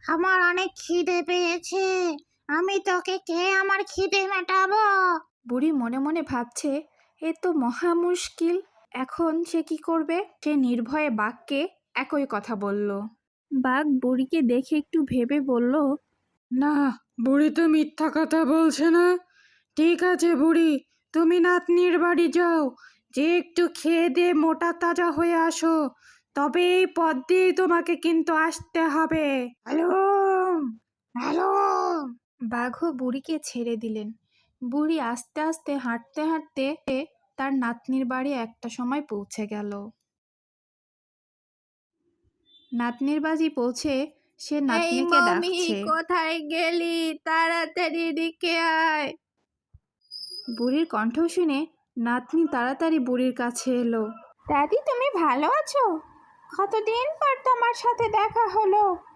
আমার অনেক খিদে পেয়েছে, আমি তোকে খেয়ে আমার খিদে মেটাবো। বুড়ি মনে মনে ভাবছে, এ তো মহা মুশকিল। এখন সে কি করবে? সে নির্ভয়ে বাঘকে একই কথা বলল। বাঘ বুড়িকে দেখে একটু ভেবে বলল, না, বুড়ি তো মিথ্যা কথা বলছে না। ঠিক আছে বুড়ি, তুমি নাতনির বাড়ি যাও, যে একটু খেয়ে দিয়ে মোটা তাজা হয়ে আসো, তবে এই পথ দিয়েই তোমাকে কিন্তু আসতে হবে। Hello hello. বাঘও বুড়িকে ছেড়ে দিলেন। বুড়ি আস্তে আস্তে হাঁটতে হাঁটতে তার নাতনির বাড়ি একটা সময় পৌঁছে গেল। নাতনির বাড়ি পৌঁছে সে নাতনিকে ডাকছে, কোথায় গেলি? তাড়াতাড়ি এদিকে আয়। বুড়ির কণ্ঠ শুনে নাতনি তাড়াতাড়ি বুড়ির কাছে এলো। দাদি, তুমি ভালো আছো? কতদিন পর তোমার সাথে দেখা হলো।